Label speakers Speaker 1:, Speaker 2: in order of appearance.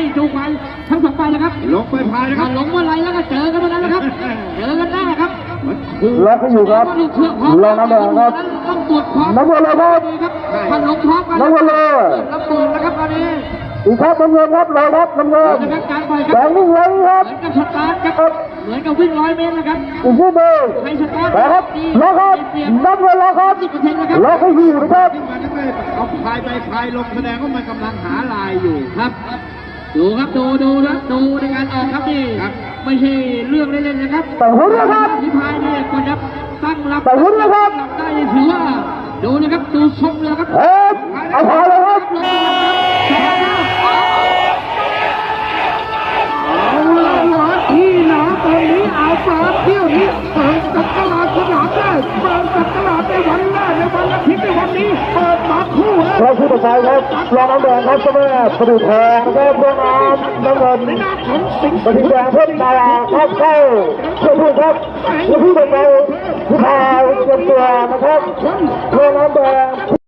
Speaker 1: จูงไปทั้งสองฝ่ายนะครับ
Speaker 2: ลงไปพายนะครับ
Speaker 1: ลงเมื่อไรแล้วก็เจอกันเมื่อนั้นนะครับเจอกันได้ครับ
Speaker 3: ล็อกให้อยู่ครับรอน้ำแดงครับ
Speaker 1: ต้องตรวจความ
Speaker 3: น้ำเงินเลยครับ
Speaker 1: ถ้าลงพร้อมกัน
Speaker 3: น้ำเงินเลย
Speaker 1: น้ำเงินนะครับตอนนี้
Speaker 3: อีกครับน้ำเงินครับเลยครับน้ำเงินแดงนิ่งเลยครับ
Speaker 1: เหมือนกับสตาร์ทครับเหมือนกับวิ่ง100 เมตรนะครับ
Speaker 3: อีกที่หนึ่ง
Speaker 1: ให้สตาร์ท
Speaker 3: ครับล็อกครับน้ำเงินล็อกครับล็อกให้อยู่นะครับ
Speaker 2: เอาพายไปพายลงแสดงว่ามันกำลังหาลายอยู่
Speaker 1: ครับดูครับดูนะดูในการออกครับนี่ไม่ใช่เรื่องเล่นๆนะครับ
Speaker 3: แต่หุ่นนะครับ
Speaker 1: ที่พายเนี่ยกว่าจะตั้งรับ
Speaker 3: แต่หุ่นนะครับ
Speaker 1: ได้ถือว่าดูนะครับดูทรงเลยครับ
Speaker 3: เอาพายเลยครับ
Speaker 1: ที่หนาตอนนี้เอาปลาเที่ยวนี้เปิดกับตลาดสนามได้เปิดกับตลาดในวันแรกในวันอาทิตย์ในวันนี้เปิดมาคู่
Speaker 3: เราคู่ต่อไปครับรองน้ำแดงครับเจ้าแม่ประดู่ทองครับรองน้ำเงินประดู่แดงเพิ่มตาครับเข้าเพื่อพูดครับเพื่อพูดต่อไปผู้ชายเตรียมตัวนะครับรองน้ำแดง